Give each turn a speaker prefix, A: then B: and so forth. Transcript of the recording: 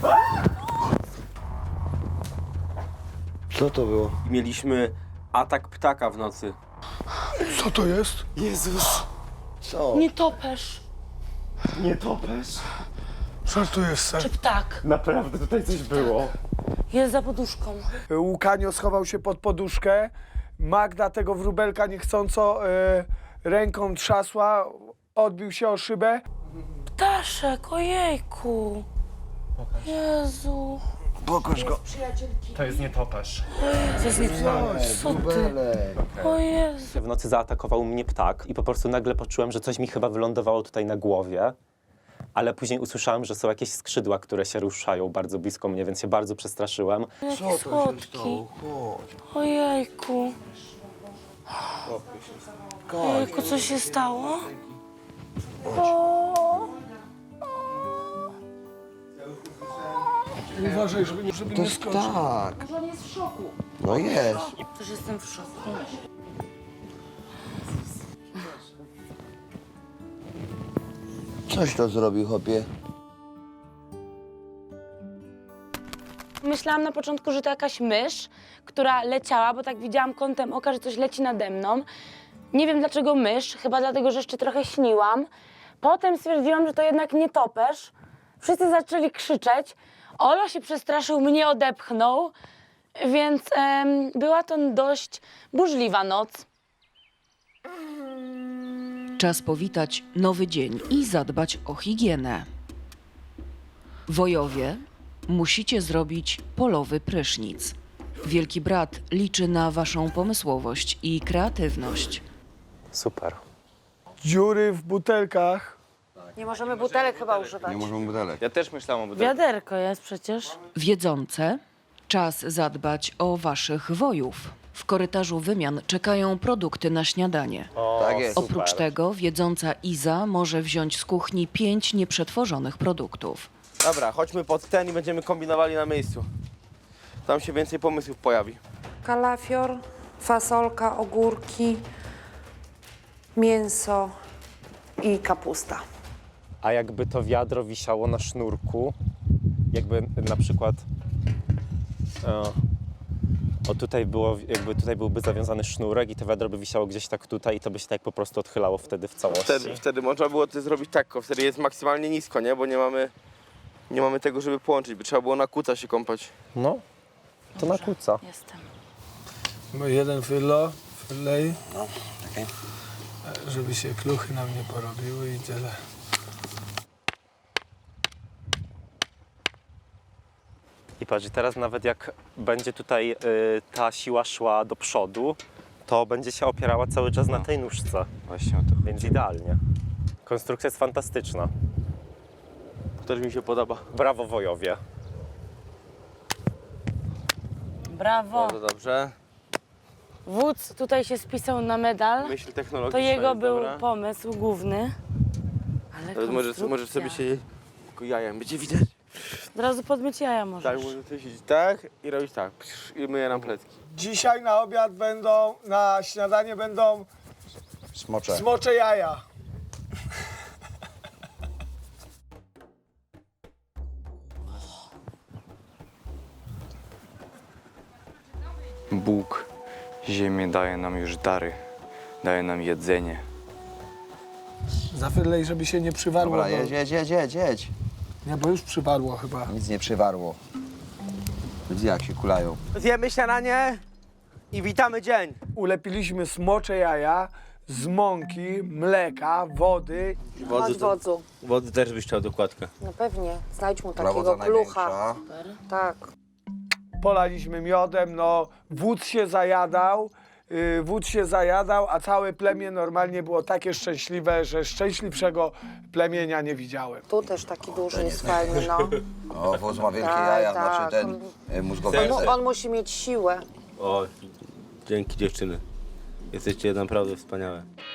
A: Co to było?
B: Mieliśmy atak ptaka w nocy.
C: Co to jest?
B: Jezus!
A: Co?
D: Nietoperz
B: Nie topesz?
C: Żartujesz se.
D: czy ptak.
B: Naprawdę tutaj coś było.
D: Jest za poduszką.
C: Łukanio schował się pod poduszkę. Magda tego wróbelka niechcąco ręką trzasła, odbił się o szybę.
D: Ptaszek, ojejku. Jezu.
A: Pokaż go.
E: To jest nietoperz.
D: To jest nietoperz. Co ty?
A: Rubelek.
D: O Jezu.
F: W nocy zaatakował mnie ptak i po prostu nagle poczułem, że coś mi chyba wylądowało tutaj na głowie. Ale później usłyszałem, że są jakieś skrzydła, które się ruszają bardzo blisko mnie, więc się bardzo przestraszyłem.
D: Jaki
A: Co to się
D: słodki.
A: stało? Chodź.
D: Ojejku. Ojejku, co się stało? O,
C: Uważaj, żeby
A: To
C: nie
A: jest
C: skoczył.
A: tak.
D: może on jest w szoku.
A: No jest.
D: Też jestem w szoku.
A: Coś to zrobił, chłopie.
D: Myślałam na początku, że to jakaś mysz, która leciała, bo tak widziałam kątem oka, że coś leci nade mną. Nie wiem dlaczego mysz, chyba dlatego, że jeszcze trochę śniłam. Potem stwierdziłam, że to jednak nietoperz. Wszyscy zaczęli krzyczeć. Olo się przestraszył, mnie odepchnął, więc była to dość burzliwa noc.
G: Czas powitać nowy dzień i zadbać o higienę. Wojowie, musicie zrobić polowy prysznic. Wielki Brat liczy na waszą pomysłowość i kreatywność.
F: Super.
C: Dziury w butelkach.
D: Nie możemy butelek chyba używać.
A: Nie możemy butelek.
B: Ja też myślałem o butelce.
D: Wiaderko jest przecież.
G: Wiedzące, czas zadbać o waszych wojów. W korytarzu wymian czekają produkty na śniadanie.
A: Tak jest.
G: Oprócz tego wiedząca Iza może wziąć z kuchni 5 nieprzetworzonych produktów.
B: Dobra, chodźmy pod ten i będziemy kombinowali na miejscu. Tam się więcej pomysłów pojawi.
H: Kalafior, fasolka, ogórki, mięso i kapusta.
F: A jakby to wiadro wisiało na sznurku, jakby na przykład o tutaj było, jakby tutaj byłby zawiązany sznurek i to wiadro by wisiało gdzieś tak tutaj i to by się tak po prostu odchylało wtedy w całości.
B: Wtedy można było to zrobić tak, tylko wtedy jest maksymalnie nisko, nie? Bo nie mamy tego, żeby połączyć, by trzeba było na kuca się kąpać.
F: No, to na kuca.
D: Jestem.
C: No jeden wylej.
A: No, okej.
C: Żeby się kluchy nam nie porobiły i tyle.
F: I patrz, i teraz nawet jak będzie tutaj ta siła szła do przodu, to będzie się opierała cały czas na tej nóżce.
B: Właśnie o to.
F: Więc idealnie. Konstrukcja jest fantastyczna.
B: Też mi się podoba.
F: Brawo wojowie.
D: Brawo.
B: Bardzo dobrze.
D: Wódz tutaj się spisał na medal.
B: Myśl technologiczna
D: To jego
B: jest
D: był
B: dobra.
D: pomysł główny. Ale
B: Nawet możesz
D: konstrukcja.
B: sobie się tylko jajem będzie widać.
D: Od razu podmyć jaja
B: Tak,
D: możesz.
B: można sobie siedzieć tak i robić tak. I myję nam plecki.
C: Dzisiaj na obiad na śniadanie będą
A: Smocze.
C: smocze jaja.
I: Bóg ziemię daje nam już dary, daje nam jedzenie.
C: Zafylej, żeby się nie przywarło.
A: Dobra,
C: bo-
A: jedź.
C: Nie, bo już przywarło chyba.
A: Nic nie przywarło. Widzisz, jak się kulają.
B: Zjemy śniadanie i witamy dzień.
C: Ulepiliśmy smocze jaja z mąki, mleka, wody.
H: Chodź wodzu.
B: Wody też byś chciał dokładkę.
H: No pewnie, znajdź mu
A: Prawo
H: takiego
A: za
H: klucha.
A: największa.
H: Tak.
C: Polaliśmy miodem, no wódz się zajadał, a całe plemię normalnie było takie szczęśliwe, że szczęśliwszego plemienia nie widziałem.
H: Tu też taki duży jest fajny, no.
A: O, wóz ma wielkie
H: Tak,
A: jaja,
H: tak.
A: znaczy ten mózgowy.
H: On musi mieć siłę.
B: O, dzięki dziewczyny. Jesteście naprawdę wspaniałe.